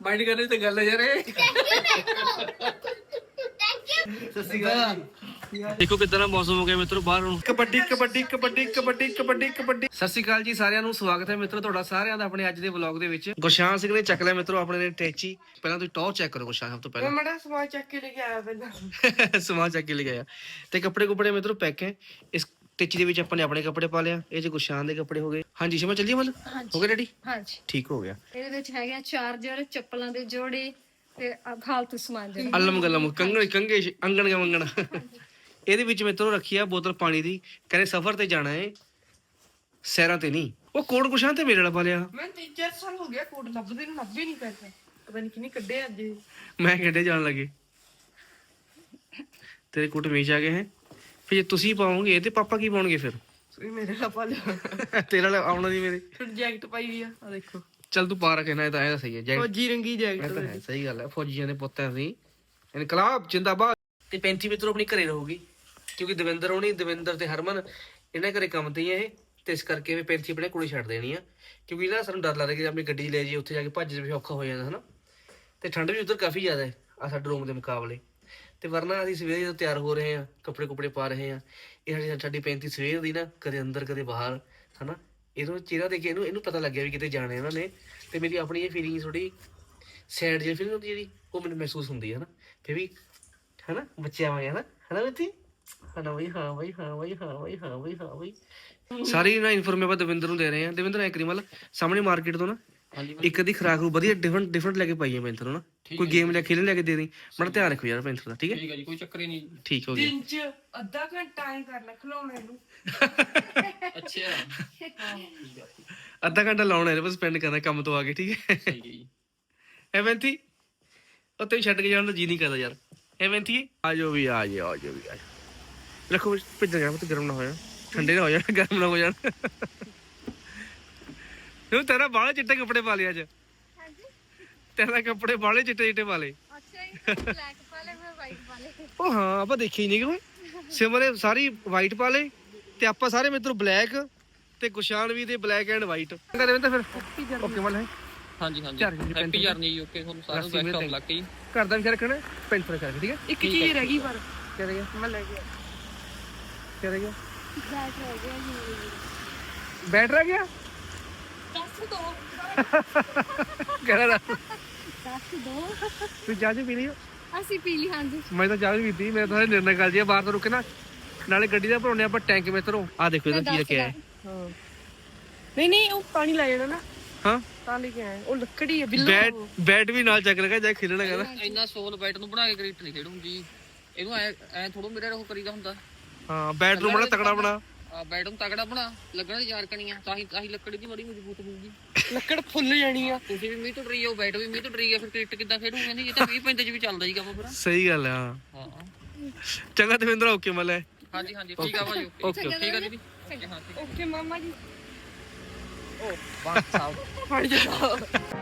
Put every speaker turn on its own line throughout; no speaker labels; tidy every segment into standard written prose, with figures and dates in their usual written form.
Mind ਕਰਨੇ ਤੇ ਗੱਲ ਹੈ ਯਾਰ ਇਹ। ਦੇਖੋ ਕਿਦਾਂ ਦਾ ਮੌਸਮ ਹੋ ਗਿਆ ਮਿੱਤਰੋ ਬਾਹਰ ਨੂੰ। ਕਬੱਡੀ ਕਬੱਡੀ ਕਬੱਡੀ ਕਬੱਡੀ ਕਬੱਡੀ ਕਬੱਡੀ। ਸਤਿ ਸ਼੍ਰੀ ਅਕਾਲ ਜੀ ਸਾਰਿਆਂ ਨੂੰ, ਸਵਾਗਤ ਹੈ ਮਿੱਤਰੋ ਤੁਹਾਡਾ ਸਾਰਿਆਂ ਦਾ ਆਪਣੇ ਅੱਜ ਦੇ ਵਲੌਗ ਦੇ ਵਿੱਚ। ਗੁਰਸ਼ਾਨ ਸਿੰਘ ਨੇ ਚੱਕ ਲਿਆ ਮਿੱਤਰੋ ਆਪਣੇ ਨੇ ਟੈਚੀ। ਪਹਿਲਾਂ ਤੁਸੀਂ ਟੌਰ ਚੈੱਕ ਕਰੋ ਗੁਰਸ਼ਾਨ, ਸਭ ਤੋਂ ਪਹਿਲਾਂ
ਮੈਂ ਸਮਾਨ ਚੱਕ ਕੇ ਲੈ ਕੇ ਆਇਆ ਪਹਿਲਾਂ।
ਸਮਾਨ ਚੱਕ ਕੇ ਲੈ ਗਿਆ ਤੇ ਕੱਪੜੇ ਕੁਪੜੇ ਮਿੱਤਰੋ ਪੈਕ ਹੈ। ਇਸ ਟੈਚੀ ਦੇ ਵਿੱਚ ਆਪਾਂ ਨੇ ਆਪਣੇ ਕੱਪੜੇ ਪਾ ਲਿਆ, ਇਹ ਚ ਗੁਰਸ਼ਾਨ ਦੇ ਕੱਪੜੇ ਹੋ ਗਏ। ਹਾਂਜੀ ਸ਼ਿਮਾ ਚੱਲੀਏ ਮਤਲਬ ਹੋ ਗਿਆ ਰੈਡੀ? ਹਾਂਜੀ ਠੀਕ ਹੋ ਗਿਆ।
ਇਹਦੇ ਵਿੱਚ ਹੈਗਾ ਚਾਰਜਰ, ਚੱਪਲਾਂ ਦੇ ਜੋੜੇ ਤੇ ਫਾਲਤੂ ਸਮਾਨ ਜਿਹੜਾ
ਅਲਮ ਗਲਮ ਕੰਗਣ ਕੰਗੇ ਅੰਗਣ ਕੇ ਮੰਗਣ। ਇਹਦੇ ਵਿੱਚ ਮਿੱਤਰੋ ਰੱਖੀ ਆ ਬੋਤਲ ਪਾਣੀ ਦੀ। ਕਹਿੰਦੇ ਸਫ਼ਰ ਤੇ ਜਾਣਾ ਹੈ, ਸੈਰਾਂ ਤੇ ਨਹੀਂ। ਉਹ ਕੋਟ ਗੁਰਸ਼ਾਨ ਤੇ ਮੇਰੇ ਵਾਲਾ ਪਾ ਲਿਆ।
ਮੈਂ 3-4 ਸਾਲ ਹੋ ਗਿਆ ਕੋਟ ਲੱਭਦੇ ਨੂੰ, ਲੱਭੇ ਨਹੀਂ ਪੈਸੇ। ਪਤਾ ਨਹੀਂ ਕਿੰਨੇ ਕੱਢੇ ਅੱਜ।
ਮੈਂ ਕਿਹੜੇ ਜਾਣ ਲੱਗੇ ਤੇਰੇ ਕੋਟ ਮੇਚ ਆ ਗਏ ਹੈ। ਫਿਰ ਜੇ ਤੁਸੀਂ ਪਾਓਗੇ ਤੇ ਪਾਪਾ ਕੀ ਪਾਉਣਗੇ ਫਿਰ?
ਤੁਸੀਂ ਮੇਰੇ ਨਾਲ ਪਾ ਲਿਆ।
ਤੇਰੇ ਨਾਲ ਆਉਣਾ ਦੀ ਮੇਰੇ
ਜੈਕਟ ਪਾਈ ਹੋਈ ਆ ਦੇਖੋ।
ਚੱਲ ਤੂੰ ਪਾ ਰੱਖੇ ਨਾ, ਇਹ ਤਾਂ ਐ ਸਹੀ ਹੈ। ਜੈਕਟ
ਫੌਜੀ ਰੰਗੀ ਜੈਕਟ
ਤਾਂ ਹੈ, ਸਹੀ ਗੱਲ ਹੈ। ਫੌਜੀਆਂ ਦੇ ਪੁੱਤ ਆ ਅਸੀਂ, ਇਨਕਲਾਬ ਜਿੰਦਾਬਾਦ। ਤੇ 35 ਮਿੱਤਰੋ ਆਪਣੀ ਘਰੇ ਰਹੂਗੀ ਕਿਉਂਕਿ ਦਵਿੰਦਰ ਤੇ ਹਰਮਨ ਇਹਨਾਂ ਘਰੇ ਕੰਮ ਤੇ ਹੀ ਇਹ, ਤੇ ਇਸ ਕਰਕੇ ਵੀ 35 ਆਪਣੇ ਕੋਲੇ ਛੱਡ ਦੇਣੀ ਆ। ਕਿਉਂਕਿ ਨਾ ਸਾਨੂੰ ਡਰ ਲੱਗਦਾ ਕਿ ਆਪਣੀ ਗੱਡੀ ਲੈ ਜਾਈਏ, ਉੱਥੇ ਜਾ ਕੇ ਭੱਜ ਜਾਵੇ, ਔਖਾ ਹੋ ਜਾਂਦਾ ਹਨਾ। ਤੇ ਠੰਡ ਵੀ ਉੱਧਰ ਕਾਫੀ ਜ਼ਿਆਦਾ ਹੈ ਆ ਸਾਡੇ ਰੂਮ ਦੇ ਮੁਕਾਬਲੇ। ਤੇ ਵਰਨਾ ਅਸੀਂ ਸਵੇਰੇ ਜਦੋਂ ਤਿਆਰ ਹੋ ਰਹੇ ਹਾਂ, ਕੱਪੜੇ ਕੁਪੜੇ ਪਾ ਰਹੇ ਹਾਂ, ਇਹ ਸਾਡੀ 35 ਸਵੇਰ ਦੀ ਨਾ ਕਦੇ ਅੰਦਰ ਕਦੇ ਬਾਹਰ ਹਨਾ। ਇਹਨੂੰ ਚਿਹਰਾ ਦੇਖ ਕੇ ਇਹਨੂੰ ਪਤਾ ਲੱਗਿਆ ਵੀ ਕਿਤੇ ਜਾਣਾ ਇਹਨਾਂ ਨੇ। ਤੇ ਮੇਰੀ ਆਪਣੀ ਇਹ ਫੀਲਿੰਗ ਥੋੜੀ ਸੈਡ ਜਿਹੀ ਫੀਲਿੰਗ ਹੁੰਦੀ ਜਿਹੜੀ ਉਹ ਮੈਨੂੰ ਮਹਿਸੂਸ ਹੁੰਦੀ ਹੈ ਨਾ। ਫਿਰ ਵੀ ਹਨਾ ਬੱਚਿਆਂ ਵਾਂਗ ਹਨਾ ਬੱਚੀ ਹਨਾ ਬਈ। ਹਾਂ ਬਈ ਹਾਂ ਬਈ ਹਾਂ ਬਈ ਹਾਂ ਬਈ ਹਾਂ ਬਈ। ਸਾਰੀ ਨਾ ਇਨਫੋਰਮੇਸ਼ਨ ਆਪਾਂ ਦਵਿੰਦਰ ਨੂੰ ਦੇ ਰਹੇ ਹਾਂ। ਦਵਿੰਦਰ ਐ ਕਰੀ ਮਤਲਬ ਸਾਹਮਣੇ ਮਾਰਕੀਟ ਤੋਂ ਨਾ ਇੱਕ ਅੱਧੀ ਖਰਾਕ ਨੂੰ ਵਧੀਆ ਡਿਫਰੈਂਟ ਲੈ ਕੇ ਪਾਈਏ ਪੈਂਥਰ ਨੂੰ ਨਾ। ਕੋਈ ਗੇਮ ਲੈ ਖੇਲਣ ਲੈ ਕੇ ਦੇ ਦੀ, ਬੜਾ ਧਿਆਨ ਰੱਖੋ ਯਾਰ ਪੈਂਥਰ ਦਾ। ਠੀਕ ਹੈ ਜੀ, ਕੋਈ ਚੱਕਰ ਹੀ ਨਹੀਂ। ਠੀਕ ਹੋ ਗਿਆ।
ਦਿਨ ਚ ਅੱਧਾ ਘੰਟਾ ਹੀ ਕਰਨਾ ਖਿਲਾਉਣੇ ਨੂੰ।
ਅੱਛਾ ਅੱਧਾ ਘੰਟਾ ਲਾਉਣਾ ਹੈ ਬਸ, ਸਪੈਂਡ ਕਰਨਾ ਕੰਮ ਤੋਂ ਆ ਕੇ। ਠੀਕ ਹੈ ਸਹੀ ਜੀ। ਐ ਪੈਂਥੀ ਉਹ ਤੈਨੂੰ ਛੱਡ ਕੇ ਜਾਣ ਦਾ ਜੀ ਨਹੀਂ ਕਰਦਾ ਯਾਰ। ਐ ਪੈਂਥੀ ਆ ਜਾਓ ਵੀ ਆ ਜਾਓ ਆ ਜਾਓ ਵੀ ਆ ਜਾਓ। ਰੱਖੋ ਭੇਜ ਗਿਆ ਤੇ ਗਰਮ ਨਾ ਹੋ ਜਾਣ, ਠੰਡੇ ਨਾ ਹੋ ਜਾਣ, ਗਰਮ ਨਾ ਹੋ ਜਾਣ। ਤੂੰ ਤੇਰਾ ਬਾਹਲੇ ਚਿੱਟੇ ਕੱਪੜੇ ਪਾ ਲਿਆ ਅੱਜ। ਤੇਰਾ ਕੱਪੜੇ ਬਾਹਲੇ ਚਿੱਟੇ ਚਿੱਟੇ ਪਾ ਲਏ।
ਬਲੈਕ ਪਾ ਲੈ, ਮੈਂ ਵਾਈਟ ਪਾ ਲੈ।
ਉਹ ਹਾਂ ਆਪਾਂ ਦੇਖੀ ਹੀ ਨਹੀਂ ਕਿ ਸਿਮਰੇ ਸਾਰੀ ਵਾਈਟ ਪਾ ਲੇ ਤੇ ਆਪਾਂ ਸਾਰੇ ਮਿੱਤਰ ਬਲੈਕ ਤੇ ਗੁਸ਼ਾਨ ਵੀ ਤੇ ਬਲੈਕ ਐਂਡ ਵਾਈਟ। ਕਹਿੰਦੇ ਤਾਂ ਫਿਰ ਓਕੇ ਮਲ ਹੈ।
ਹਾਂਜੀ ਹੈਪੀ ਜਰਨੀ ਜੀ। ਓਕੇ ਤੁਹਾਨੂੰ ਸਾਰਿਆਂ ਨੂੰ ਬੈਸਟ ਆਫ ਲੱਕ ਜੀ।
ਘਰ ਦਾ ਵੀ ਰੱਖਣਾ, ਪੈਂਟ ਰੱਖਣਾ। ਠੀਕ ਹੈ
ਇੱਕ ਚੀਜ਼ ਰਹਿ ਗਈ ਪਰ
ਕਿਆ ਰਹਿ ਗਿਆ?
ਮੈਂ ਲੈ ਗਿਆ।
ਕਿਆ ਰਹਿ ਗਿਆ?
ਬੈਟ ਹੋ ਗਿਆ ਜੀ।
ਬੈਟ ਰਹਿ ਗਿਆ?
ਦੱਸ ਦੋ
ਕਿਹੜਾ ਦਾ?
ਦੱਸ ਦੋ।
ਤੂੰ ਚਾਹ ਪੀ ਲਈ?
ਅਸੀਂ ਪੀ ਲਈ। ਹਾਂਜੀ
ਮੈਂ ਤਾਂ ਚਾਹ ਵੀ ਪੀਤੀ। ਮੈਂ ਤਾਂ ਨਿਰਣਾ ਕਰ ਜੀ ਬਾਹਰ ਤੋਂ ਰੁਕੇ ਨਾ, ਨਾਲੇ ਗੱਡੀ ਦਾ ਭਰਾਉਣੇ ਆਪਾਂ ਟੈਂਕ ਮਿੱਤਰੋ। ਆ ਦੇਖੋ ਇਹਦਾ ਕੀ ਰੱਖਿਆ ਹੈ।
ਹਾਂ ਨਹੀਂ ਉਹ ਪਾਣੀ ਲੈ ਜਾਣਾ ਨਾ।
ਹਾਂ
ਤਾਂ ਲੈ ਕੇ ਆਏ। ਉਹ ਲੱਕੜੀ ਹੈ ਬਿੱਲੋ।
ਬੈਟ ਵੀ ਨਾਲ ਚੱਕ ਲਗਾ ਜਾ ਖੇਲਣਾ ਕਹਿੰਦਾ।
ਇੰਨਾ ਸੋਲ ਬੈਟ ਨੂੰ ਬਣਾ ਕੇ ਕ੍ਰਿਕਟ ਨਹੀਂ ਖੇਡੂੰ ਜੀ। ਇਹਨੂੰ ਐ ਥੋੜਾ ਮੇਰੇ ਉਹ ਕਰੀਦਾ ਹੁੰਦਾ।
ਹਾਂ ਬੈਟ ਨੂੰ ਬਣਾ ਤਕੜਾ ਬਣਾ।
ਆ ਬੈਟ ਨੂੰ ਤਗੜਾ ਬਣਾ, ਲੱਗਣਾ ਯਾਰ ਕਣੀਆਂ ਤਾਂ ਹੀ ਲੱਕੜੀ ਦੀ ਬੜੀ ਮਜ਼ਬੂਤ ਹੋਊਗੀ।
ਲੱਕੜ ਫੁੱਲ ਜਾਣੀ ਆ।
ਤੁਸੀਂ ਵੀ ਮੀਂਹ ਤੋਂ ਡਰੀ ਜਾਓ, ਬੈਟ ਵੀ ਮੀਂਹ ਤੋਂ ਡਰੀ ਗਿਆ, ਫਿਰ ਕ੍ਰਿਕਟ ਕਿੱਦਾਂ ਖੇਡੂਗੇ? ਨਹੀਂ ਇਹ ਤਾਂ 20-35 ਚ ਵੀ ਚੱਲਦਾ ਜੀ ਕੰਮ ਫਿਰ।
ਸਹੀ ਗੱਲ ਹੈ। ਹਾਂ ਚੰਗਾ ਦਵਿੰਦਰ ਓਕੇ ਮਲੇ।
ਹਾਂਜੀ ਠੀਕ ਆ ਭਾਜੀ। ਓਕੇ ਠੀਕ ਆ ਜੀ। ਹਾਂ
ਓਕੇ ਮਾਮਾ ਜੀ।
ਉਹ ਬਾਤ ਸਾਹਿਬ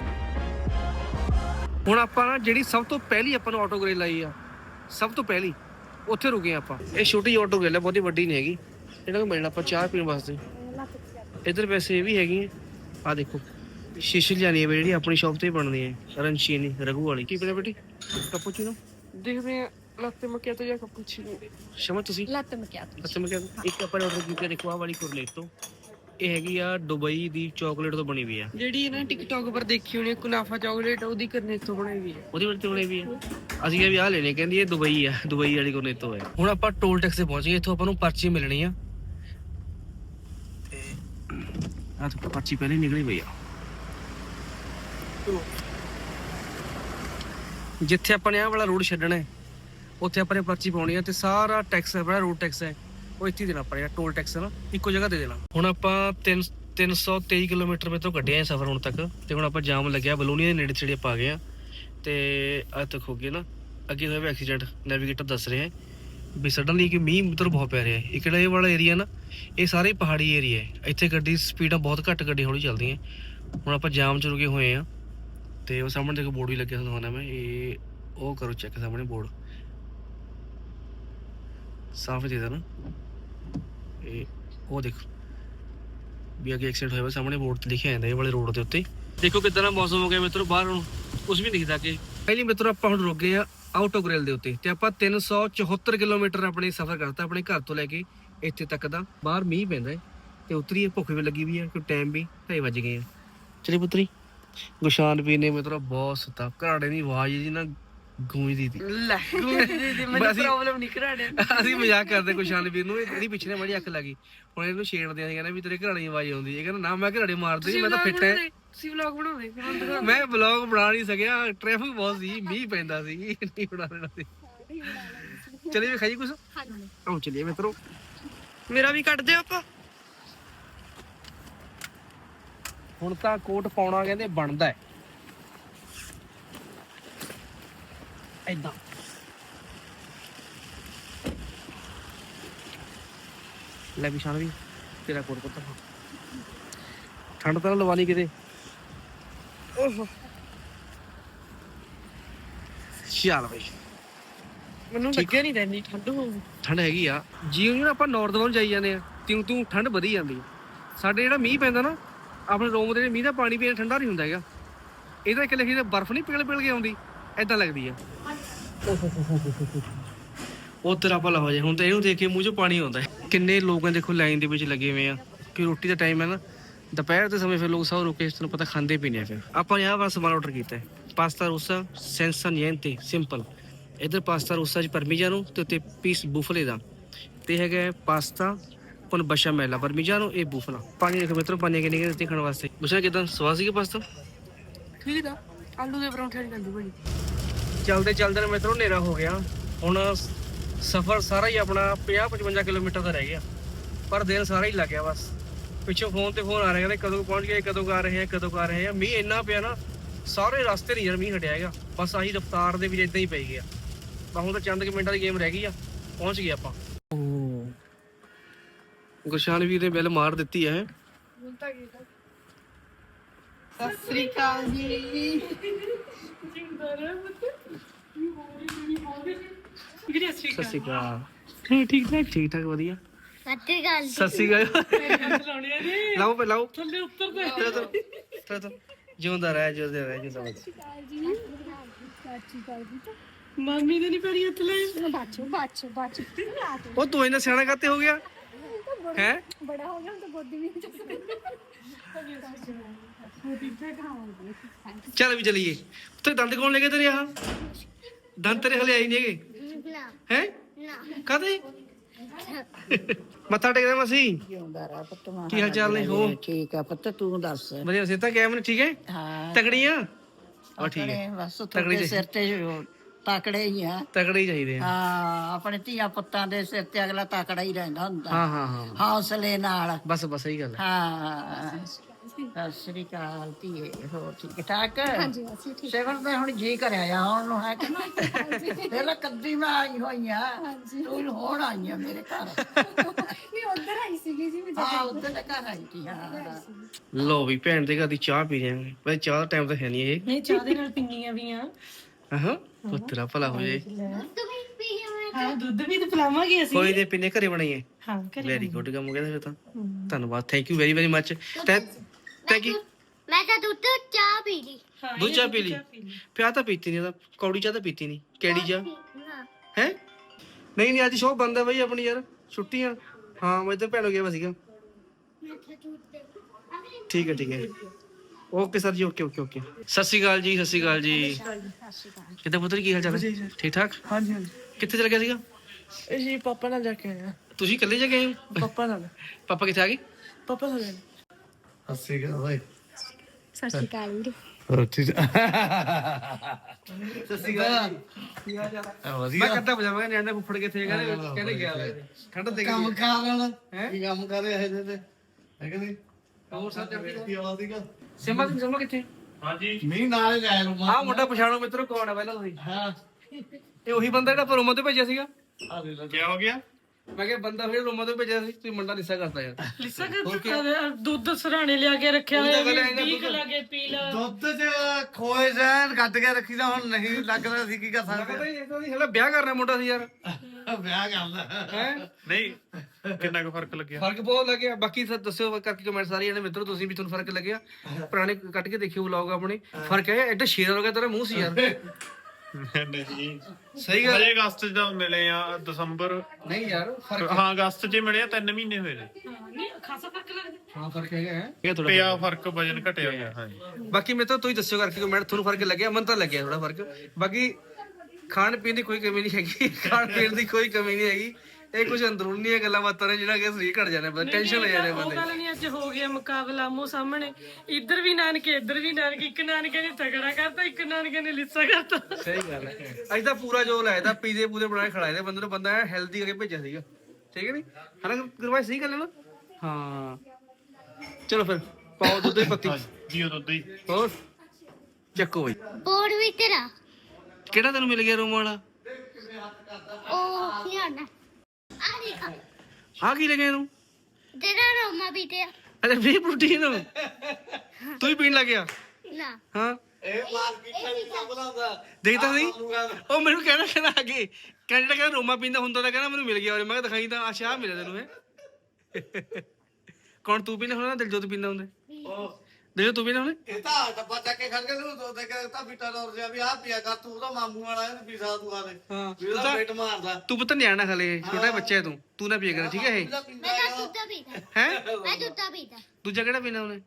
ਹੁਣ ਆਪਾਂ ਨਾ ਜਿਹੜੀ ਸਭ ਤੋਂ ਪਹਿਲੀ ਆਪਾਂ ਨੂੰ ਆਟੋ ਗ੍ਰੇਲ ਆਈ ਆ, ਸਭ ਤੋਂ ਪਹਿਲੀ ਉੱਥੇ ਰੁਕੇ ਆਪਾਂ। ਇਹ ਛੋਟੀ ਆਟੋ ਗ੍ਰੇਲ ਹੈ, ਬਹੁਤੀ ਵੱਡੀ ਨਹੀਂ ਹੈਗੀ। ਇਹਨਾਂ ਨੂੰ ਮਿਲਣਾ ਆਪਾਂ ਚਾਹ ਪੀਣ ਵਾਸਤੇ। ਇੱਧਰ ਵੈਸੇ ਇਹ ਵੀ ਹੈਗੀ ਆ ਦੇਖੋ ਸ਼ੀਸ਼ੇ ਲਿਆਣੀ ਹੈ ਜਿਹੜੀ ਆਪਣੀ ਸ਼ਾਪ ਤੇ ਬਣਦੀ ਹੈ। ਰਣਸ਼ੀਨੀ ਰਘੂ ਵਾਲੀ। ਕੀ ਪਤਾ ਬੇਟੀ ਕੈਪੂਚੀਨੋ
ਦੇਖਦੇ ਆ ਲੱਤੇ ਮੱਕਿਆ ਜਾਂ ਕੈਪੂਚੀਨੋ।
ਸ਼ਮਾ ਤੁਸੀਂ
ਲੱਤ ਮਕਿਆਤ।
ਅੱਛਾ ਮੈਂ ਕਹਿੰਦਾ ਇੱਕ ਆਪਾਂ ਆਰਡਰ ਕੀਤਾ ਦੇਖੋ ਆਹ ਵਾਲੀ ਕੁਰਲੇਟ ਤੋਂ। ਇਹ ਹੈਗੀ ਆ ਦੁਬਈ ਦੀ ਚਾਕਲੇਟ ਤੋਂ ਬਣੀ ਹੋਈ ਆ।
ਜਿਹੜੀ ਨਾ ਟਿਕਟੌਕ ਪਰ ਦੇਖੀ ਹੋਣੀ ਕੁਨਾਫਾ ਚਾਕਲੇਟ, ਉਹਦੀ ਕਰਨੇਤੋਂ ਬਣਾਈ ਹੋਈ ਹੈ।
ਉਹਦੀ ਵਰਤੀ ਬਣੀ ਹੋਈ ਆ। ਅਸੀਂ ਕਿਹਾ ਵੀ ਆਹ ਲੈਣੇ, ਕਹਿੰਦੀ ਇਹ ਦੁਬਈ ਆ, ਦੁਬਈ ਵਾਲੀ ਕਰਨੇਤੋਂ ਹੈ। ਹੁਣ ਆਪਾਂ ਟੋਲ ਟੈਕਸ ਤੇ ਪਹੁੰਚ ਗਏ। ਇੱਥੋਂ ਆਪਾਂ ਨੂੰ ਪਰਚੀ ਮਿਲਣੀ ਆ। ਆਹ ਤਾਂ ਪਰਚੀ ਪਹਿਲੇ ਨਿਕਲੀ ਪਈ ਆ। ਜਿੱਥੇ ਆਪਾਂ ਨੇ ਆਹ ਵਾਲਾ ਰੋਡ ਛੱਡਣਾ ਹੈ ਉੱਥੇ ਆਪਾਂ ਨੇ ਪਰਚੀ ਪਾਉਣੀ ਹੈ ਤੇ ਸਾਰਾ ਟੈਕਸ ਹੈ, ਬੜਾ ਰੋਡ ਟੈਕਸ ਹੈ, ਉਹ ਇੱਥੇ ਦੇਣਾ ਪੜੇਗਾ। ਟੋਲ ਟੈਕਸ ਨਾ ਇੱਕੋ ਜਗ੍ਹਾ ਦੇ ਦੇਣਾ। ਹੁਣ ਆਪਾਂ 323 ਕਿਲੋਮੀਟਰ ਮੇਰੇ ਤੋਂ ਕੱਢਿਆ ਹੈ ਸਫ਼ਰ ਹੁਣ ਤੱਕ। ਤੇ ਹੁਣ ਆਪਾਂ ਜਾਮ ਲੱਗਿਆ ਬਲੂਨੀਆ ਦੇ ਨੇੜੇ ਥੇੜੇ ਪਾ ਗਏ ਆ। ਤੇ ਅੱਜ ਤੱਕ ਹੋ ਗਏ ਨਾ ਅੱਗੇ ਹੋਇਆ ਐਕਸੀਡੈਂਟ। ਨੈਵੀਗੇਟਰ ਦੱਸ ਰਿਹਾ ਵੀ ਸਡਨਲੀ ਕਿ ਮੀਂਹ ਮਿੱਤਰ ਬਹੁਤ ਪੈ ਰਿਹਾ ਹੈ। ਇਹ ਕਿਹੜਾ ਇਹ ਵਾਲਾ ਏਰੀਆ ਨਾ, ਇਹ ਸਾਰੇ ਪਹਾੜੀ ਏਰੀਆ ਹੈ। ਇੱਥੇ ਗੱਡੀ ਸਪੀਡਾਂ ਬਹੁਤ ਘੱਟ, ਗੱਡੀ ਹੌਲੀ ਚੱਲਦੀਆਂ। ਹੁਣ ਆਪਾਂ ਜਾਮ 'ਚ ਰੁਕੇ ਹੋਏ ਆ ਤੇ ਉਹ ਸਾਹਮਣੇ ਦੇਖੋ ਬੋਰਡ ਵੀ ਲੱਗਿਆ ਹੁੰਦਾ ਮੈਂ। ਇਹ ਉਹ ਕਰੋ ਚੈੱਕ, ਸਾਹਮਣੇ ਬੋਰਡ ਸਾਫ਼ ਦੇ ਨਾ। ਇਹ ਉਹ ਦੇਖੋ ਵੀ ਅੱਗੇ ਐਕਸੀਡੈਂਟ ਹੋਇਆ ਵਾ, ਸਾਹਮਣੇ ਬੋਰਡ ਤੇ ਲਿਖਿਆ ਜਾਂਦਾ ਇਹ ਵਾਲੇ ਰੋਡ ਦੇ ਉੱਤੇ। ਦੇਖੋ ਕਿੱਦਾਂ ਦਾ ਮੌਸਮ ਹੋ ਗਿਆ ਮਿੱਤਰੋ, ਬਾਹਰ ਹੁਣ ਕੁਝ ਵੀ ਨਹੀਂ ਦਿਖਦਾ ਕਿ ਪਹਿਲੀ ਮਿੱਤਰੋ ਆਪਾਂ ਹੁਣ ਰੁਕ ਗਏ ਆ ਆਊਟ ਆਫ ਗ੍ਰਿਲ ਦੇ ਉੱਤੇ ਤੇ ਆਪਾਂ 374 ਕਿਲੋਮੀਟਰ ਆਪਣੇ ਸਫ਼ਰ ਕਰਤਾ ਆਪਣੇ ਘਰ ਤੋਂ ਲੈ ਕੇ ਇੱਥੇ ਤੱਕ ਦਾ। ਬਾਹਰ ਮੀਂਹ ਪੈਂਦਾ ਹੈ ਤੇ ਉਤਰੀ ਭੁੱਖ ਵੀ ਲੱਗੀ ਵੀ ਆ ਕਿ ਟਾਈਮ ਵੀ 2:30 ਵਜ ਗਏ ਆ। ਚਲੀ ਪੁੱਤਰੀ ਗੁਸ਼ਾਨ ਵੀਰ ਨੇ ਮਿੱਤਰੋ ਬਹੁਤ ਸੁੱਤਾ, ਘਰਾੜੇ ਦੀ ਆਵਾਜ਼ ਜੀ ਨਾ ਗੂੰਜਦੀ ਸੀ।
ਲੈ ਗੂੰਜਦੀ ਮੈਨੂੰ ਪ੍ਰੋਬਲਮ ਨਹੀਂ ਕਰਾੜੇ।
ਅਸੀਂ ਮਜ਼ਾਕ ਕਰਦੇ ਗੁਸ਼ਾਨ ਵੀਰ ਨੂੰ, ਇਹਦੀ ਪਿੱਛੇ ਮਾੜੀ ਅੱਖ ਲੱਗੀ। ਹੁਣ ਇਹਨੂੰ ਛੇੜਦੇ ਆ, ਕਹਿੰਦਾ ਵੀ ਤੇਰੇ ਘਰਾੜੇ ਦੀ ਆਵਾਜ਼ ਆਉਂਦੀ। ਇਹ ਕਹਿੰਦਾ ਨਾ ਮੈਂ ਘਰਾੜੇ ਮਾਰਦੇ ਨਹੀਂ, ਮੈਂ ਤਾਂ ਫਿੱਟ ਹੈ।
ਤੁਸੀਂ ਵਲੌਗ ਬਣਾਉਂਦੇ?
ਮੈਂ ਵਲੌਗ ਬਣਾ ਨਹੀਂ ਸਕਿਆ, ਟ੍ਰੈਫਿਕ ਬਹੁਤ ਸੀ, ਮੀਂਹ ਪੈਂਦਾ ਸੀ, ਨਹੀਂ ਬਣਾ ਲੈਣਾ ਸੀ। ਚਲੇ ਵੀ ਖਾਈ ਕੁਛ। ਆਓ ਚਲੀਏ ਮਿੱਤਰੋ।
ਮੇਰਾ ਵੀ ਕੱਢ ਦਿਓ ਆਪਾਂ।
ਹੁਣ ਤਾਂ ਕੋਟ ਪਾਉਣਾ ਕਹਿੰਦੇ ਬਣਦਾ ਹੈ ਏਦਾਂ। ਲੈ ਵਿਸ਼ਾਲ ਵੀ ਤੇਰਾ ਕੋਟ ਪੁੱਤ, ਠੰਡ ਤਾਂ ਲਵਾ ਲਈ ਕਿਤੇ। ਓਹੋ ਚੱਲ ਬਈ,
ਮੈਨੂੰ ਲੱਗਿਆ ਨਹੀਂ ਰਹਿੰਦੀ ਠੰਡ ਹੋਊਗੀ।
ਠੰਡ ਹੈਗੀ ਆ। ਜਿਉਂ ਜਿਉਂ ਆਪਾਂ ਨਾਰਥ ਵੱਲ ਜਾਈ ਜਾਂਦੇ ਆ ਤਿਉਂ ਤਿਉਂ ਠੰਡ ਵਧੀ ਜਾਂਦੀ ਆ। ਸਾਡੇ ਜਿਹੜਾ ਮੀਂਹ ਪੈਂਦਾ ਨਾ ਆਪਣੇ ਰੋਮ ਦੇ ਮੀਂਹ ਦਾ ਪਾਣੀ ਪੀਣਾ ਠੰਡਾ ਨਹੀਂ ਹੁੰਦਾ ਹੈਗਾ, ਇਹਦਾ ਇੱਕ ਲਿਖੀ ਬਰਫ਼ ਨਹੀਂ ਪਿਘਲ ਪਿਘਲ ਕੇ ਆਉਂਦੀ, ਏਦਾਂ ਲੱਗਦੀ ਆ। ਉਹ ਤੇਰਾ ਭਲਾ ਹੋ ਜਾਏ। ਹੁਣ ਤਾਂ ਇਹਨੂੰ ਦੇਖ ਕੇ ਮੂੰਹ 'ਚੋਂ ਪਾਣੀ ਆਉਂਦਾ ਹੈ। ਕਿੰਨੇ ਲੋਕਾਂ ਦੇਖੋ ਲਾਈਨ ਦੇ ਵਿੱਚ ਲੱਗੇ ਹੋਏ ਆ ਕਿ ਰੋਟੀ ਦਾ ਟਾਈਮ ਹੈ ਨਾ, ਦੁਪਹਿਰ ਦੇ ਸਮੇਂ ਫਿਰ ਲੋਕ ਸਭ ਰੁਕੇ ਤੁਹਾਨੂੰ ਪਤਾ ਖਾਂਦੇ ਪੀਂਦੇ ਆ। ਫਿਰ ਆਪਾਂ यहाँ पर ਸਮਾਨ ਆਰਡਰ ਕੀਤਾ ਹੈ, ਪਾਸਤਾ ਰੋਸਾ ਸੈਂਸਾ ਨਿਏਂਤੇ ਸਿੰਪਲ। ਇੱਧਰ ਪਾਸਤਾ ਰੋਸਾ ਚ ਪਰਮੀਜਾਨੋ ਤੇ ਉੱਤੇ ਪੀਸ ਬੂਫਲੇ ਦਾ, ਤੇ ਹੈਗਾ ਪਾਸਤਾ con ਬਸ਼ਾਮੈਲਾ ਪਰਮੀਜਾਨੋ, ਇਹ ਬੂਫਲਾ। ਪਾਣੀ ਦੇਖੋ ਮਿੱਤਰੋ, ਪਾਣੀ ਕਿੰਨੇ ਕਿੰਨੇ ਦਿੱਤੇ ਖਾਣ ਵਾਸਤੇ। ਪੁੱਛਿਆ ਕਿਦਾਂ ਸਵਾਦ ਸੀਗਾ ਪਾਸਤਾ?
ਠੀਕ ਆ, ਆਲੂ ਦੇ ਪਰੌਂਠੇ ਨਹੀਂ ਖਾਂਦੀ ਭਾਜੀ।
ਚਲਦੇ ਚਲਦੇ ਨਾ ਮਿੱਤਰੋ ਹਨੇਰਾ ਹੋ ਗਿਆ। ਹੁਣ ਸਫ਼ਰ ਸਾਰਾ ਹੀ ਆਪਣਾ 50-55 ਕਿਲੋਮੀਟਰ ਦਾ ਰਹਿ ਗਿਆ, ਪਰ ਦਿਨ ਸਾਰਾ ਹੀ ਲੱਗ ਗਿਆ ਬਸ। ਪਿੱਛੋਂ ਫੋਨ ਤੇ ਫੋਨ ਆ ਰਿਹਾ, ਕਹਿੰਦੇ ਕਦੋਂ ਪਹੁੰਚ ਗਏ, ਕਦੋਂ ਆ ਰਹੇ ਆ, ਕਦੋਂ ਆ ਰਹੇ ਆ। ਮੀਂਹ ਇੰਨਾ ਪਿਆ ਨਾ ਸਾਰੇ ਰਸਤੇ ਨਹੀਂ ਯਾਰ ਮੀਂਹ ਹਟਿਆ ਹੈਗਾ, ਬਸ ਆਹੀ ਰਫ਼ਤਾਰ ਦੇ ਵਿੱਚ ਇਦਾਂ ਹੀ ਪਈ ਗਿਆ। ਬਸ ਹੁਣ ਤਾਂ ਚੰਦ ਕੁ ਮਿੰਟਾਂ ਦੀ ਗੇਮ ਰਹਿ ਗਈ ਆ, ਪਹੁੰਚ ਗਏ ਆਪਾਂ। ਗੁਰਸ਼ਾਨ ਵੀਰ ਨੇ ਬੈਲ ਮਾਰ ਦਿੱਤੀ ਹੈ।
ਸਤਿ ਸ੍ਰੀ ਅਕਾਲ ਜੀ।
ਸਤਿ ਸ਼੍ਰੀ ਅਕਾਲ। ਠੀਕ ਠਾਕ, ਠੀਕ ਠਾਕ, ਵਧੀਆ। ਸਤਿ ਸ਼੍ਰੀ ਅਕਾਲ। ਲਾਓ ਪੇ ਲਾਓ ਥੱਲੇ ਉੱਤਰ ਤੇ ਜਿਉਂਦਾ ਰਹਿ, ਜਿਉਂਦਾ ਰਹਿ, ਜਿਉਂਦਾ ਰਹਿ।
ਮਾਮੀ ਦੇ ਨਹੀਂ ਪੈਰੀ ਹੱਥ ਲੈ।
ਉਹ ਤੂੰ ਇਹਨਾਂ ਸਿਆਣਾ ਕਾਤੇ ਹੋ ਗਿਆ ਹੈ?
ਬੜਾ ਹੋ ਗਿਆ ਹੁਣ ਤਾਂ ਗੋਦੀ ਵੀ
ਚੱਲ ਵੀ ਚਲੀਏ। ਤੇ ਦੰਦ ਕੌਣ ਲੈ ਕੇ ਤੇਰੇ? ਆਹ ਦੰਦ ਤੇਰੇ ਹਲੇ ਆਈ ਨਹੀਂ ਹੈਗੇ ਹੈ? ਕਾਹਦੇ? ਮੱਥਾ ਟੇਕਦੇ ਮਸੀਂ। ਕੀ ਹਾਲ ਚਾਲ ਨੇ? ਹੋ
ਠੀਕ ਆ ਪੁੱਤ, ਤੂੰ ਦੱਸ।
ਵਧੀਆ। ਸਿਹਤਾਂ ਕਿਵੇਂ ਨੇ? ਠੀਕ ਹੈ,
ਹਾਂ
ਤਕੜੀਆਂ? ਉਹ ਠੀਕ ਹੈ,
ਬਸ ਤੁਹਾਡੇ ਸਿਰ ਤੇ ਤਕੜੇ ਹੀ ਆ।
ਤਕੜੇ ਹੀ ਚਾਹੀਦੇ ਆ।
ਹਾਂ, ਆਪਣੇ ਧੀਆਂ ਪੁੱਤਾਂ ਦੇ ਸਿਰ ਤੇ ਅਗਲਾ ਤਕੜਾ ਹੀ ਰਹਿੰਦਾ ਹੁੰਦਾ,
ਹਾਂ ਹਾਂ ਹਾਂ,
ਹੌਸਲੇ ਨਾਲ।
ਬਸ ਬਸ ਸਹੀ ਗੱਲ ਹੈ।
ਹਾਂ, ਸਤਿ ਸ੍ਰੀ ਅਕਾਲ ਧੀਏ, ਹੋਰ ਠੀਕ ਠਾਕ?
ਹਾਂਜੀ ਅਸੀਂ ਠੀਕ।
ਸੇਵਨ ਤੇ ਹੁਣ ਜੀ ਕਰਿਆ ਆ ਹੁਣ ਨੂੰ, ਹੈ ਕਿ ਨਾ? ਪਹਿਲਾਂ ਕੱਦੀ ਮੈਂ ਆਈ ਹੋਈ ਆ, ਤੂੰ ਹੁਣ ਆਈ ਆ ਮੇਰੇ ਘਰ।
ਨਹੀਂ ਉੱਧਰ ਆਈ ਸੀਗੀ ਜੀ ਮੈਂ।
ਹਾਂ, ਉੱਧਰ ਦੇ ਘਰ ਆਈ ਸੀ। ਹਾਂ,
ਲੋ ਵੀ ਭੈਣ ਦੇ ਘਰ ਦੀ ਚਾਹ ਪੀ ਰਹੇ ਹਾਂ। ਵੈਸੇ ਚਾਹ ਦਾ ਟਾਈਮ ਤਾਂ ਹੈ ਨਹੀਂ ਇਹ।
ਨਹੀਂ, ਚਾਹ ਦੇ ਨਾਲ ਪਿੰਨੀਆਂ ਵੀ ਆ।
ਹਾਂ, ਪੁੱਤਰਾ ਭਲਾ ਹੋ ਜਾਏ।
ਹਾਂ, ਦੁੱਧ ਵੀ ਤੇ ਪਿਲਾਵਾਂਗੇ ਅਸੀਂ।
ਕੋਈ ਨਹੀਂ, ਪਿੰਨੇ ਘਰੇ ਬਣਾਈਏ।
ਹਾਂ, ਘਰੇ।
ਵੈਰੀ ਗੁੱਡ ਕੰਮ ਹੋ ਗਿਆ ਫਿਰ ਤਾਂ। ਧੰਨਵਾਦ, thank you very very much. Thank you.
ਮੈਂ ਤਾਂ ਦੁੱਧ ਚਾਹ ਪੀ ਲਈ।
ਦੁੱਧ ਚਾਹ ਪੀ ਲਈ? ਪਿਆ ਤਾਂ ਪੀਤੀ ਨਹੀਂ, ਉਹਦਾ ਕੌੜੀ ਚਾਹ ਤਾਂ ਪੀਤੀ ਨਹੀਂ। ਕਿਹੜੀ ਚਾਹ ਹੈ? ਨਹੀਂ ਨਹੀਂ, ਅੱਜ ਸ਼ੋਅ ਬੰਦ ਹੈ ਬਈ ਆਪਣੀ ਯਾਰ, ਛੁੱਟੀਆਂ। ਹਾਂ, ਮੈਂ ਤਾਂ ਭੈਣ ਗਿਆ ਵਾ ਸੀਗਾ। ਠੀਕ ਹੈ ਠੀਕ ਹੈ, ਓਕੇ ਸਰ ਜੀ, ਓਕੇ ਓਕੇ ਓਕੇ। ਸਤਿ ਸ਼੍ਰੀ ਅਕਾਲ ਜੀ, ਸਤਿ ਸ਼੍ਰੀ ਅਕਾਲ ਜੀ। ਕਿੱਦਾਂ ਪੁੱਤਰ, ਕੀ ਹਾਲ ਚਾਲ ਹੈ? ਠੀਕ ਠਾਕ।
ਹਾਂਜੀ ਹਾਂਜੀ।
ਕਿੱਥੇ ਚਲ ਗਿਆ ਸੀਗਾ?
ਇਹ ਜੀ ਪਾਪਾ ਨਾਲ ਜਾ ਕੇ ਆਇਆ।
ਤੁਸੀਂ ਇਕੱਲੇ ਜਾ ਕੇ ਆਏ ਹੋ?
ਪਾਪਾ ਨਾਲ।
ਪਾਪਾ ਕਿੱਥੇ ਆ ਗਏ?
ਪਾਪਾ ਨਾਲ।
ਸਤਿ ਸ਼੍ਰੀ ਅਕਾਲ ਓਏ।
ਸਤਿ ਸ਼੍ਰੀ ਅਕਾਲ ਵੀਰੇ।
ਸਤਿ ਸ਼੍ਰੀ ਅਕਾਲ। ਮੈਂ ਕੱਟਾ ਪਜਾਮਾ ਨਿਆਣੇ ਫੁੱਫੜ ਕਿੱਥੇ ਕਹਿੰਦੇ ਗਿਆ ਠੰਡ ਤੇ
ਕੰਮ ਖਾ ਲੈਣਾ
ਹੈ।
ਕੀ ਕੰਮ ਕਰ ਰਿਹਾ ਹੈ ਕਿ ਨਹੀਂ?
ਹੋਰ ਸਭ
ਕੀ ਆਵਾਜ਼ ਸੀਗਾ?
ਸਿੰਮਾ ਕਿੱਥੇ?
ਹਾਂਜੀ, ਮੀਂਹ ਨਾਲ ਲੈ ਲੂ।
ਆਹ ਮੁੰਡਾ ਪਛਾਣੋ ਮਿੱਤਰੋ, ਕੌਣ ਹੈ ਪਹਿਲਾਂ ਤੁਸੀਂ?
ਹਾਂ,
ਇਹ ਉਹੀ ਬੰਦਾ ਜਿਹੜਾ ਪਰੋਮੋ ਤੇ ਭੇਜਿਆ ਸੀਗਾ।
ਕੀ ਹੋ ਗਿਆ?
ਮੈਂ ਕਿਹਾ ਬੰਦਾ ਫਿਰ ਰੋਮਾ ਤੋਂ ਭੇਜਿਆ ਸੀ ਤੁਸੀਂ ਮੁੰਡਾ ਲਿੱਸਾ ਕਰਤਾ ਯਾਰ
ਲਿਸਾ ਕਰ ਦੁੱਧ ਸਰਾਣੇ ਲਿਆ ਕੇ ਰੱਖਿਆ
ਉਹਦਾ
ਹੋਇਆ
ਗੱਲ ਐਂ ਨਾ
ਵੀ ਲਾ ਕੇ ਪੀ ਲਾ
ਦੁੱਧ 'ਚ ਖੋਏ ਜੈਨ ਕੱਢ ਕੇ ਰੱਖੀ ਦਾ ਹੁਣ ਨਹੀਂ ਲੱਗ ਰਿਹਾ ਸੀ ਕੀ ਕਰ
ਮੈਂ
ਸਕਦੇ
ਕਹਿੰਦਾ ਇਹ ਤਾਂ ਹਲਾ ਵਿਆਹ ਕਰਨਾ ਮੁੰਡਾ ਸੀ ਯਾਰ
ਵਿਆਹ ਕਰਦਾ
ਹੈ
ਨਹੀਂ ਕਿੰਨਾ ਕੁ ਫਰਕ ਲੱਗਿਆ
ਫਰਕ ਬਹੁਤ ਲੱਗਿਆ ਬਾਕੀ ਸਰ ਦੱਸਿਓ ਕਰਕੇ ਕਮੈਂਟ ਸਾਰੇ ਜਣੇ ਮਿੱਤਰੋ ਤੁਸੀਂ ਵੀ ਤੁਹਾਨੂੰ ਫਰਕ ਲੱਗਿਆ ਪੁਰਾਣੇ ਕੱਟ ਕੇ ਦੇਖਿਓ ਵਲੌਗ ਆਪਣੇ ਫਰਕ ਹੈ ਐਡਾ ਸ਼ੇਰ ਵਰਗਾ ਤੇਰਾ ਮੂੰਹ ਸੀ ਯਾਰ
ਨਹੀਂ
ਸਹੀ ਗੱਲ
ਹਜੇ ਅਗਸਤ 'ਚ ਤਾਂ ਮਿਲੇ ਆ ਦਸੰਬਰ
ਨਹੀਂ ਯਾਰ ਫਰਕ
ਹਾਂ ਅਗਸਤ 'ਚ ਮਿਲੇ ਆ 3 ਮਹੀਨੇ ਹੋਏ ਨੇ
ਨਹੀਂ ਖਾਸਾ ਫਰਕ ਲੱਗਦਾ
ਹਾਂ ਫਰਕ ਹੈਗਾ ਹੈ ਇਹ ਥੋੜਾ
ਪਿਆ ਫਰਕ ਵਜਨ ਘਟਿਆ ਗਿਆ ਹਾਂਜੀ
ਬਾਕੀ ਮਿੱਤਰੋ ਤੁਸੀਂ ਦੱਸਿਓ ਕਰਕੇ ਕਮੈਂਟ ਤੁਹਾਨੂੰ ਫਰਕ ਲੱਗਿਆ ਮਨ ਤਾਂ ਲੱਗਿਆ ਥੋੜਾ ਫਰਕ ਬਾਕੀ ਖਾਣ ਪੀਣ ਦੀ ਕੋਈ ਕਮੀ ਨਹੀਂ ਹੈਗੀ ਖਾਣ ਪੀਣ ਦੀ ਕੋਈ ਕਮੀ ਨਹੀਂ ਹੈਗੀ ਇਹ ਕੁਝ ਅੰਦਰੂਨੀਆਂ ਗੱਲਾਂ ਬਾਤਾਂ ਨੇ ਜਿਹੜਾ ਕਿ ਸਰੀਰ ਘਟ ਜਾਣੇ ਬੰਦੇ ਟੈਨਸ਼ਨ ਲੈ ਜਾਣੇ
ਉਹ
ਬੰਦੇ
ਗੱਲ ਨਹੀਂ ਅੱਜ ਹੋ ਗਿਆ ਮੁਕਾਬਲਾ ਮੋ ਸਾਹਮਣੇ ਇੱਧਰ ਵੀ ਨਾਨਕੇ ਇੱਧਰ ਵੀ ਨਾਨਕੇ ਇੱਕ ਨਾਨਕੇ ਨੇ ਤਗੜਾ ਕਰਤਾ ਇੱਕ ਨਾਨਕੇ ਨੇ ਲਿੱਸਾ ਕਰਤਾ
ਸਹੀ ਗੱਲ ਹੈ ਅੱਜ ਤਾਂ ਪੂਰਾ ਜੋ ਲਾਇਆ ਤਾਂ ਪੀਜ਼ੇ ਪੂਰੇ ਬਣਾ ਕੇ ਖੜਾਏ ਦੇ ਬੰਦੇ ਨੂੰ ਬੰਦਾ ਹੈਲਦੀ ਕਰਕੇ ਭੇਜਿਆ ਸੀਗਾ ਠੀਕ ਹੈ ਨਹੀਂ ਹਨਾ ਗੁਰਵਾਈ ਸਹੀ ਗੱਲ ਹੈ ਨਾ ਹਾਂ ਚਲੋ ਫਿਰ ਪਾਓ ਦੁੱਧ ਦੀ ਪੱਤੀ
ਜੀਓ ਦੁੱਧ ਹੀ
ਹੋਰ ਚੱਕੋ ਬਈ
ਬੋਰਡ ਵੀ ਤੇਰਾ
ਕਿਹੜਾ ਤੈਨੂੰ ਮਿਲ ਗਿਆ ਰੂਮ ਵਾਲਾ
ਉਹ ਯਾਨਾ ਆ ਦੇਖ
ਆ ਕੀ ਲੱਗਿਆ ਇਹਨੂੰ
ਤੇਰਾ ਰੋਮਾ ਵੀ ਤੇ
ਅਰੇ ਵੀ ਪ੍ਰੋਟੀਨ ਤੂੰ ਹੀ ਪੀਣ ਲੱਗ ਗਿਆ
ਨਾ
ਹਾਂ
ਇਹ ਮਾਰਕੀਟ ਦਾ ਮੁਕਾਬਲਾ ਹੁੰਦਾ
ਦੇਖਦਾ ਸੀ ਉਹ ਮੈਨੂੰ ਕਹਿੰਦਾ ਅੱਗੇ ਕਹਿੰਦਾ ਕਹਿੰਦਾ ਰੋਮਾ ਪੀਂਦਾ ਹੁੰਦਾ ਤਾਂ ਕਹਿੰਦਾ ਮੈਨੂੰ ਮਿਲ ਗਿਆ ਔਰ ਮੈਂ ਕਿਹਾ ਦਿਖਾਈ ਤਾਂ ਅੱਛਾ ਮਿਲਿਆ ਤੈਨੂੰ ਇਹ ਕੌਣ ਤੂੰ ਪੀਂਦਾ ਹੁੰਦਾ ਦਿਲਜੋਤ ਪੀਂਦਾ ਹੁੰਦਾ ਦਿਲਜੋਤ ਤੂੰ ਪੀਂਦਾ ਹੁੰਦਾ
ਇਹ ਤਾਂ ਡੱਬਾ ਚੱਕ ਕੇ ਖੜ ਕੇ ਤੂੰ ਦੋ ਦੇ ਕੇ ਤਾਂ ਬੀਟਾ ਦੌਰ ਜਿਆ ਵੀ ਆ ਪਿਆ ਕਰ ਤੂੰ ਉਹਦਾ ਮਾਮੂ ਵਾਲਾ ਇਹਨੂੰ ਪੀਸਾ ਤੂੰ ਆ ਦੇ
ਹਾਂ
ਵੀ ਉਹਦਾ ਪੇਟ ਮਾਰਦਾ
ਤੂੰ ਪੁੱਤ ਨਿਆਣਾ ਹਲੇ ਛੋਟਾ ਬੱਚਾ ਹੈ ਤੂੰ ਨਾ ਪੀਆ ਕਰ ਠੀਕ ਹੈ ਇਹ
ਮੈਂ ਤਾਂ ਦੁੱਧ ਪੀਦਾ
ਹੈ
ਮੈਂ ਦੁੱਧ ਪੀਦਾ
ਦੂਜਾ ਕਿਹੜਾ ਪੀਣਾ ਉਹਨੇ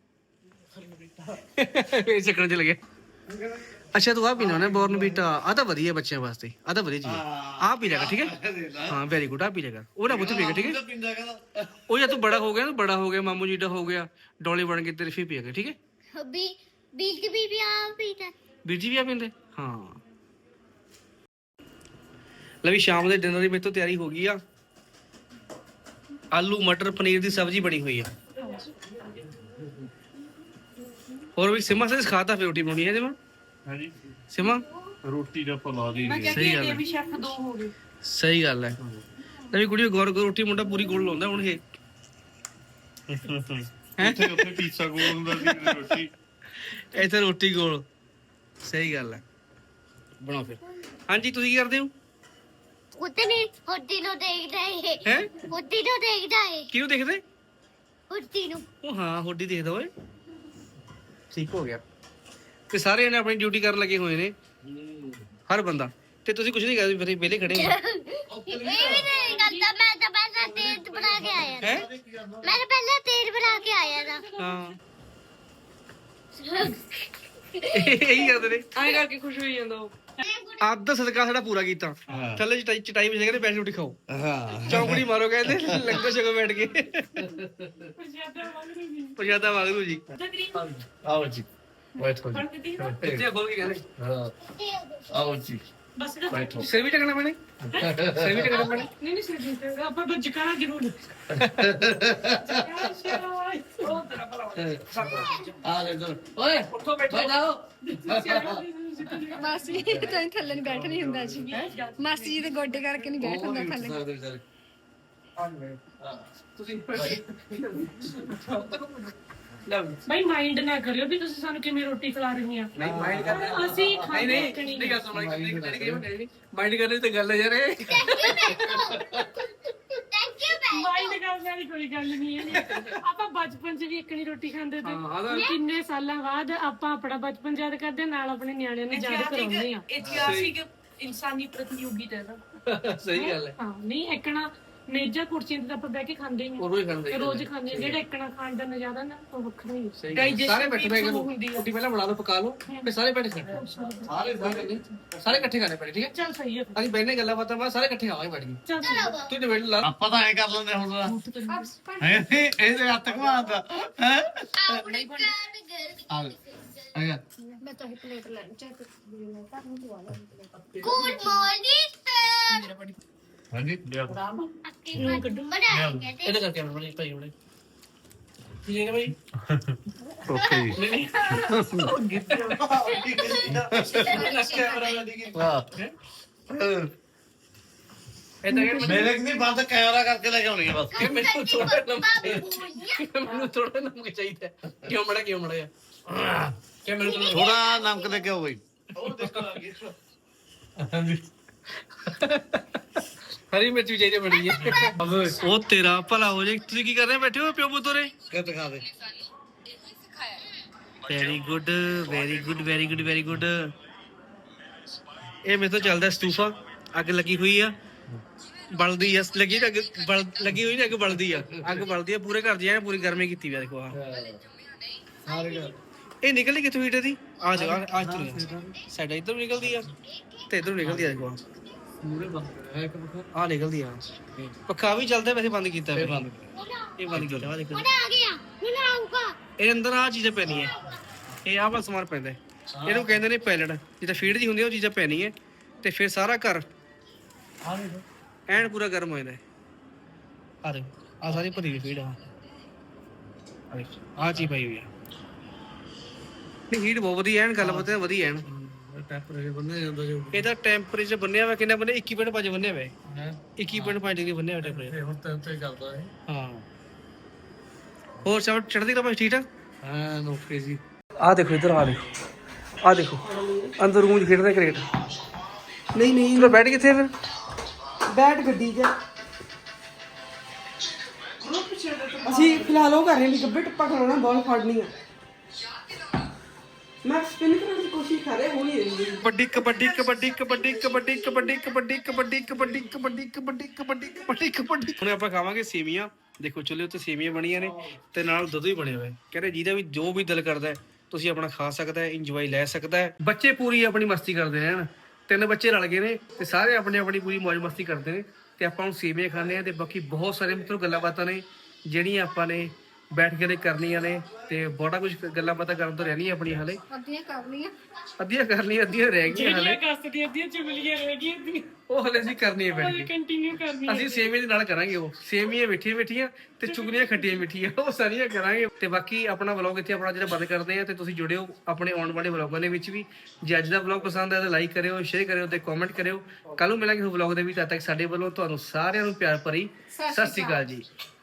ਇਹ ਚੱਕਣ ਚ ਲੱਗਿਆ ਅੱਛਾ ਤੂੰ ਆ ਪੀਣਾ ਉਹਨੇ ਬੋਰਨਵੀਟਾ ਆ ਤਾਂ ਵਧੀਆ ਬੱਚਿਆਂ ਵਾਸਤੇ ਆ ਤਾਂ ਵਧੀਆ ਚੀਜ਼ ਆ ਪੀ ਲਿਆ ਕਰ ਠੀਕ ਹੈ ਹਾਂ ਵੈਰੀ ਗੁੱਡ ਆ ਪੀ ਲਿਆ ਕਰ ਉਹ ਨਾ ਪੁੱਤ ਪੀ ਠੀਕ ਹੈ
ਪਿੰਦਾ ਕਹਿੰਦਾ
ਉਹ ਜਾਂ ਤੂੰ ਬੜਾ ਹੋ ਗਿਆ ਨਾ ਬੜਾ ਹੋ ਗਿਆ ਮਾਮੂ ਜੀ ਦਾ ਹੋ ਗਿਆ ਡੋਲੇ ਬਣ ਕੇ ਤੇਰੇ ਫੇ ਪੀਆ ਕਰ ਠੀਕ ਹੈ
ਬੀ ਬੀਜ ਵੀ ਆ ਪੀਦਾ
ਵੀਰ ਜੀ ਵੀ ਆ ਪੀਂਦੇ ਹਾਂ ਲੈ ਵੀ ਸ਼ਾਮ ਦੇ ਡਿਨਰ ਦੀ ਮੇਰੇ ਤੋਂ ਤਿਆਰੀ ਹੋ ਗਈ ਆ ਆਲੂ ਮਟਰ ਪਨੀਰ ਦੀ ਸਬਜ਼ੀ ਬਣੀ ਹੋਈ ਆ ਹੋਰ ਵੀ ਸਿਮਾ ਸੇ ਖਾਤਾ ਫੇ ਰੋਟੀ ਬਣਾਉਣੀ ਹੈ ਜਿਵੇਂ
ਹਾਂਜੀ
ਸਿਮਾ
ਰੋਟੀ ਦਾ ਪਲਾ ਦੀ
ਮੈਂ
ਸਹੀ ਗੱਲ
ਕਹਿੰਦੀ
ਹੈ।
ਇਹ ਵੀ ਸ਼ੈਫ ਦੋ ਹੋ ਗਏ
ਸਹੀ ਗੱਲ ਹੈ ਲੈ ਵੀ ਕੁੜੀ ਗੌਰ ਰੋਟੀ ਮੁੰਡਾ ਪੂਰੀ ਗੋਲ ਲਾਉਂਦਾ ਹੁਣ ਇਹ
ਉੱਥੇ ਪੀਜ਼ਾ ਗੋਲ ਹੁੰਦਾ ਸੀ ਰੋਟੀ
ਇੱਥੇ ਰੋਟੀ ਗੋਲ ਸਹੀ ਗੱਲ ਹੈ ਬਣਾਓ ਫਿਰ ਹਾਂਜੀ ਤੁਸੀਂ ਕੀ ਕਰਦੇ ਹੋ
ਉਤਨੇ ਹੁੱਡੀ ਨੂੰ ਦੇਖਦਾ ਏ
ਹੈ
ਹੁੱਡੀ ਨੂੰ ਦੇਖਦਾ ਏ
ਕਿਹਨੂੰ ਦੇਖਦੇ
ਹੁੱਡੀ ਨੂੰ
ਉਹ ਹਾਂ ਹੋਡੀ ਦੇਖਦਾ ਓਏ ਠੀਕ ਹੋ ਗਿਆ ਤੇ ਸਾਰੇ ਜਣੇ ਆਪਣੀ ਡਿਊਟੀ ਕਰਨ ਲੱਗੇ ਹੋਏ ਨੇ ਹਰ ਬੰਦਾ ਤੇ ਤੁਸੀਂ ਕੁਝ ਨਹੀਂ ਕਰਦੇ ਫਿਰ ਵਿਹਲੇ ਖੜੇ ਹੋ
ਇਹ ਵੀ ਨਹੀਂ ਕਰਦਾ ਮੈਂ ਤਾਂ ਪਹਿਲਾਂ ਤੇਲ ਬਣਾ ਕੇ ਆਇਆ
ਹੈ
ਮੈਂ ਤਾਂ ਪਹਿਲਾਂ ਤੇਲ ਬਣਾ ਕੇ ਆਇਆ ਨਾ
ਹਾਂ ਇਹੀ ਕਰਦੇ ਨੇ
ਐਂ ਕਰਕੇ ਖੁਸ਼ ਹੋਈ ਜਾਂਦਾ ਉਹ
ਅੱਧ ਸਦਕਾ ਸਾਡਾ ਪੂਰਾ ਕੀਤਾ ਥੱਲੇ ਚਟਾਈ ਵਿੱਚ ਕਹਿੰਦੇ ਬੈਠ ਰੋਟੀ ਖਾਓ
ਹਾਂ
ਚੌਂਕੜੀ ਮਾਰੋ ਕਹਿੰਦੇ ਲੰਗਰ ਛਕੋ ਬੈਠ ਕੇ ਪ੍ਰਸ਼ਾਦਾ ਵਾਗਰੂ ਜੀ
ਆਓ ਜੀ ਬੈਠੋ ਜੀ
ਕਿੱਥੇ ਖੋਲ ਕੇ ਕਹਿੰਦੇ
ਆਓ ਜੀ
ਬਸ ਕਰ
ਬੈਠੋ
ਸਿਰ ਵੀ ਟਕਣਾ ਪੈਣੇ ਸਿਰ ਵੀ ਟਕਣਾ ਪੈਣੇ
ਨਹੀਂ ਨਹੀਂ ਸਿਰ ਆਪਾਂ ਬੱਜ ਕਰਾ ਜ਼ਰੂਰ
ਆ ਲੈ ਇਧਰ ਓਏ
ਉੱਠੋ ਬੈਠੋ
ਮਾਸੀ ਤਾਂ ਥੱਲੇ ਨਹੀਂ ਬੈਠ ਨਹੀਂ ਹੁੰਦਾ ਜੀ ਮਾਸੀ ਜੀ ਦੇ ਗੋਡੇ ਕਰਕੇ ਨਹੀਂ ਬੈਠ ਹੁੰਦਾ ਥੱਲੇ
ਸਕਦੇ ਵਿਚਾਰੇ
ਤੁਸੀਂ
ਭਾਈ ਮਾਈਂਡ ਨਾ ਕਰਿਓ ਵੀ ਤੁਸੀਂ ਸਾਨੂੰ ਕਿਵੇਂ ਰੋਟੀ ਖਿਲਾ ਰਹੇ ਆ
ਨਹੀਂ ਮਾਈਂਡ ਕਰਦੇ
ਅਸੀਂ
ਨਹੀਂ
ਖਾਣੇ
ਨਹੀਂ ਨਹੀਂ ਗੱਲ ਸੁਣ ਮਾਈਂਡ ਕਰਨੇ ਤੇ ਗੱਲ ਹੈ ਯਾਰ ਇਹ
ਥੈਂਕ ਯੂ
ਮਾਈਂਡ ਕਰਨ ਵਾਲੀ ਕੋਈ ਗੱਲ ਨਹੀਂ ਹੈ ਆਪਾਂ ਬਚਪਨ 'ਚ ਵੀ ਇੱਕ ਨਹੀਂ ਰੋਟੀ ਖਾਂਦੇ ਤੇ
ਹਾਂ ਆਦਾ
ਕਿੰਨੇ ਸਾਲਾਂ ਬਾਅਦ ਆਪਾਂ ਆਪਣਾ ਬਚਪਨ ਯਾਦ ਕਰਦੇ ਨਾਲ ਆਪਣੇ ਨਿਆਣਿਆਂ ਨੂੰ ਯਾਦ ਕਰਾਉਂਦੇ ਆ
ਇਤਿਹਾਸਿਕ
ਇਨਸਾਨੀ ਪ੍ਰਤੀਯੋਗਿਤਾ ਦਾ
ਸਹੀ ਗੱਲ ਹੈ
ਹਾਂ ਨਹੀਂ ਇੱਕਣਾ ਮੇਜ਼ਾਂ ਕੁਰਸੀਆਂ ਤੇ ਤਾਂ ਆਪਾਂ ਬਹਿ ਕੇ ਖਾਂਦੇ ਹੀ
ਉਹ ਰੋਜ਼ ਖਾਂਦੇ
ਆ ਰੋਜ਼ ਖਾਂਦੇ ਆ। ਜਿਹੜਾ ਇੱਕਣਾ ਖਾਣ ਦਾ ਨਜ਼ਾਰਾ ਨਾ ਉਹ ਵੱਖਰਾ ਹੀ ਆ।
ਸਹੀ ਗੱਲ ਹੈ। ਸਾਰੇ ਬੈਠੇ ਬੈਠੇ ਰੋਟੀ ਪਹਿਲਾਂ ਬਣਾ ਲਓ ਪਕਾ ਲਓ ਫਿਰ ਸਾਰੇ ਬੈਠੇ ਖਾਣੇ ਸਾਰੇ ਇਕੱਠੇ ਖਾਣੇ ਪੈਣੇ ਠੀਕ ਹੈ
ਚੱਲ ਸਹੀ ਹੈ
ਅਸੀਂ ਬੈਠਨੇ ਗੱਲਾਂ ਬਾਤਾਂ ਬਾਅਦ ਸਾਰੇ ਇਕੱਠੇ ਖਾਵਾਂਗੇ ਬੈਠ ਕੇ
ਚੱਲ
ਤੂੰ ਡਿਬੇਟ ਲਾ
ਆਪਾਂ ਤਾਂ ਐ ਕਰ ਲੈਂਦੇ ਹੁਣ ਇਹਦੇ ਹੱਥ ਘਮਾਉਂਦਾ ਹੈ ਆ ਗਿਆ
ਮੈਂ ਤਾਂ ਇਹ ਪਲੇਟ ਲੈਣ ਚਾਹਤੇ
ਗੁੱਡ ਮਾਰਨਿੰਗ ਸਰ
ਹਾਂਜੀ
ਬਣਾ ਕੇ
ਇਹਦੇ ਕਰਕੇ ਆਉਣਾ ਭਾਈ ਉਹਨੇ ਠੀਕ ਹੈ ਭਾਈ
ਓਕੇ ਜੀ
ਮੇਰੇ ਕਿ ਨਹੀਂ ਬੰਦ ਕੈਮਰਾ ਕਰਕੇ ਲੈ ਕੇ ਆਉਣੀ ਆ ਬਸ
ਮੈਨੂੰ ਥੋੜਾ ਨਮਕ ਚਾਹੀਦਾ ਕਿਉਂ ਮੜਾ ਕਿ ਮੈਨੂੰ
ਥੋੜਾ ਨਮਕ ਲੈ ਕੇ ਆਓ ਬਈ
ਹਰੀ ਮਿਰਚ ਵੀ ਚਾਹੀਦੀ ਬੜੀ ਹੈ ਉਹ ਤੇਰਾ ਭਲਾ ਹੋ ਜਾਏ ਤੁਸੀਂ ਕੀ ਕਰ ਰਹੇ ਬੈਠੇ ਹੋ ਪਿਓ ਪੁੱਤੋ ਰੇ
ਕਿ ਦਿਖਾ ਦੇ
very good very good very good very good ਇਹ ਮੇਰੇ ਤੋਂ ਚੱਲਦਾ ਸਟੂਫਾ ਅੱਗ ਲੱਗੀ ਹੋਈ ਆ ਬਲਦੀ ਆ ਲੱਗੀ ਅੱਗ ਲੱਗੀ ਹੋਈ ਨਾ ਅੱਗ ਬਲਦੀ ਆ ਪੂਰੇ ਘਰ ਦੀ ਐ ਪੂਰੀ ਗਰਮੀ ਕੀਤੀ ਵੀ ਦੇਖੋ ਆ ਇਹ ਨਿਕਲਦੀ ਕਿੱਥੋਂ ਹੀਟਰ ਦੀ ਆ ਜਾ ਆ ਸਾਡਾ ਇੱਧਰ ਨਿਕਲਦੀ ਆ ਤੇ ਇੱਧਰ ਨਿਕਲਦੀ ਆ ਦੇਖੋ ਆ ਨਿਕਲਦੀ ਆ ਪੱਖਾ ਵੀ ਚੱਲਦਾ ਵੈਸੇ ਬੰਦ ਕੀਤਾ ਇਹ ਬੰਦ ਕੀਤਾ ਵਾ ਦੇਖੋ
ਹੁਣ ਆ ਗਿਆ ਹੁਣ ਆਊਗਾ
ਇਹ ਅੰਦਰ ਆ ਚੀਜ਼ਾਂ ਪੈਣੀਆਂ ਇਹ ਆਹ ਵਾਲਾ ਸਮਾਨ ਪੈਂਦਾ ਇਹਨੂੰ ਕਹਿੰਦੇ ਨੇ ਪੈਲਟ ਜਿੱਦਾਂ ਫੀਡ ਦੀ ਹੁੰਦੀ ਉਹ ਚੀਜ਼ਾਂ ਪੈਣੀਆਂ ਤੇ ਫਿਰ ਸਾਰਾ ਘਰ ਐਨ ਪੂਰਾ ਗਰਮ ਹੋ ਜਾਂਦਾ ਆ ਦੇ ਆ ਸਾਰੀ ਭਰੀ ਹੋਈ ਫੀਡ ਆ ਚੀਜ਼ ਪਈ ਹੋਈ ਆ ਨਹੀਂ ਹੀਟ ਬਹੁਤ ਵਧੀਆ ਐਨ ਗੱਲ ਬਤਾ ਵਧੀਆ ਐਨ ਟੈਂਪਰੇਚਰ ਬੰਨਿਆ ਜਾਂਦਾ ਜੋ ਇਹਦਾ ਟੈਂਪਰੇਚਰ ਬੰਨਿਆ ਹੋਇਆ ਕਿੰਨਾ ਬੰਨਿਆ 21.5 ਬੰਨਿਆ ਹੋਇਆ 21.5 ਡਿਗਰੀ ਬੰਨਿਆ ਹੋਇਆ ਟੈਂਪਰੇਚਰ ਹੁਣ ਤੇ ਚੱਲਦਾ ਹੈ ਹਾਂ ਹੋਰ ਸਭ ਚੜ੍ਹਦੀ ਕਲਾ ਠੀਕ ਠਾਕ ਹਾਂ ਓਕੇ ਜੀ ਆ ਦੇਖੋ ਇਧਰ ਆ ਦੇਖੋ ਅੰਦਰ ਰੂਮ 'ਚ ਖੇਡਦਾ ਕ੍ਰਿਕਟ ਨਹੀਂ ਤੂੰ ਬੈਠ ਕਿੱਥੇ ਫਿਰ
ਬੈਟ ਗੱਡੀ 'ਚ ਅਸੀਂ ਫਿਲਹਾਲ ਉਹ ਕਰ ਰਹੇ ਨੇ ਗੱਬੇ ਟੱਪਾ ਖਲਾਉਣਾ ਬਾਲ ਫੜਨੀ ਆ ਮੈਂ ਸਪਿਨ ਕਰਨ ਦੀ ਕੋਸ਼ਿਸ਼ ਕਰ ਰਿਹਾ ਹੋਣੀ ਰਹੀ
ਕਬੱਡੀ ਹੁਣ ਆਪਾਂ ਖਾਵਾਂਗੇ ਸੇਵੀਆਂ ਦੇਖੋ ਚੁੱਲ੍ਹੇ ਉੱਤੇ ਸੇਵੀਆਂ ਬਣੀਆਂ ਨੇ ਤੇ ਨਾਲ ਦੁੱਧ ਵੀ ਬਣਿਆ ਹੋਇਆ ਕਹਿੰਦੇ ਜਿਹਦਾ ਵੀ ਜੋ ਵੀ ਦਿਲ ਕਰਦਾ ਤੁਸੀਂ ਆਪਣਾ ਖਾ ਸਕਦਾ ਹੈ ਇੰਜੋਏ ਲੈ ਸਕਦਾ ਹੈ ਬੱਚੇ ਪੂਰੀ ਆਪਣੀ ਮਸਤੀ ਕਰਦੇ ਨੇ ਹਨ 3 ਬੱਚੇ ਰਲ ਗਏ ਨੇ ਤੇ ਸਾਰੇ ਆਪਣੀ ਪੂਰੀ ਮौज ਮਸਤੀ ਕਰਦੇ ਨੇ ਤੇ ਆਪਾਂ ਹੁਣ ਸੇਵੀਆਂ ਖਾਂਦੇ ਆ ਤੇ ਬਾਕੀ ਬਹੁਤ ਸਾਰੇ ਮਤਲਬ ਗੱਲਾਂ ਬਾਤਾਂ ਨੇ ਜਿਹੜੀਆਂ ਆਪਾਂ ਨੇ ਬੈਠ ਕੇ ਕਰਨੀਆਂ ਨੇ ਤੇ ਬੜਾ ਕੁਝ ਗੱਲਾਂ ਬਾਤਾਂ ਕਰਨ ਤੋਂ ਰਹਿਣੀਆਂ ਆਪਣੀਆਂ ਹਾਲੇ ਅੱਧੀਆਂ ਕਰਨੀਆਂ ਅੱਧੀਆਂ ਰਹਿ ਗਈਆਂ ਹਾਲੇ
ਕਸਤ ਦੀਆਂ ਅੱਧੀਆਂ ਚੁਗਲੀਆਂ ਰਹਿ ਗਈਆਂ
ਉਹ ਹਲੇ ਅਸੀਂ ਕਰਨੀਆਂ ਬੈਠ ਕੇ
ਕੰਟੀਨਿਊ ਕਰਨੀ
ਅਸੀਂ ਸੇਵੀਆਂ ਦੇ ਨਾਲ ਕਰਾਂਗੇ ਉਹ ਸੇਵੀਆਂ ਮਿੱਠੀਆਂ ਤੇ ਚੁਗਲੀਆਂ ਖੱਟੀਆਂ ਮਿੱਠੀਆਂ ਉਹ ਸਾਰੀਆਂ ਕਰਾਂਗੇ ਤੇ ਬਾਕੀ ਆਪਣਾ ਵਲੌਗ ਇੱਥੇ ਆਪਣਾ ਜਿਹੜਾ ਬੰਦ ਕਰਦੇ ਆ ਤੇ ਤੁਸੀਂ ਜੁੜਿਓ ਆਪਣੇ ਆਉਣ ਵਾਲੇ ਵਲੌਗਾਂ ਦੇ ਵਿੱਚ ਵੀ ਜੇ ਅੱਜ ਦਾ ਵਲੌਗ ਪਸੰਦ ਆਇਆ ਤਾਂ ਲਾਈਕ ਕਰਿਓ ਸ਼ੇਅਰ ਕਰਿਓ ਤੇ ਕਮੈਂਟ ਕਰਿਓ ਕੱਲ ਨੂੰ ਮਿਲਾਂਗੇ ਵਲੌਗ ਦੇ ਵਿੱਚ ਤਦ ਤੱਕ ਸਾਡੇ ਵੱਲੋਂ ਤੁਹਾਨੂੰ ਸਾਰਿਆਂ ਨੂੰ ਪਿਆਰ ਭਰੀ ਸਤਿ ਸ਼੍ਰੀ ਅਕਾਲ ਜੀ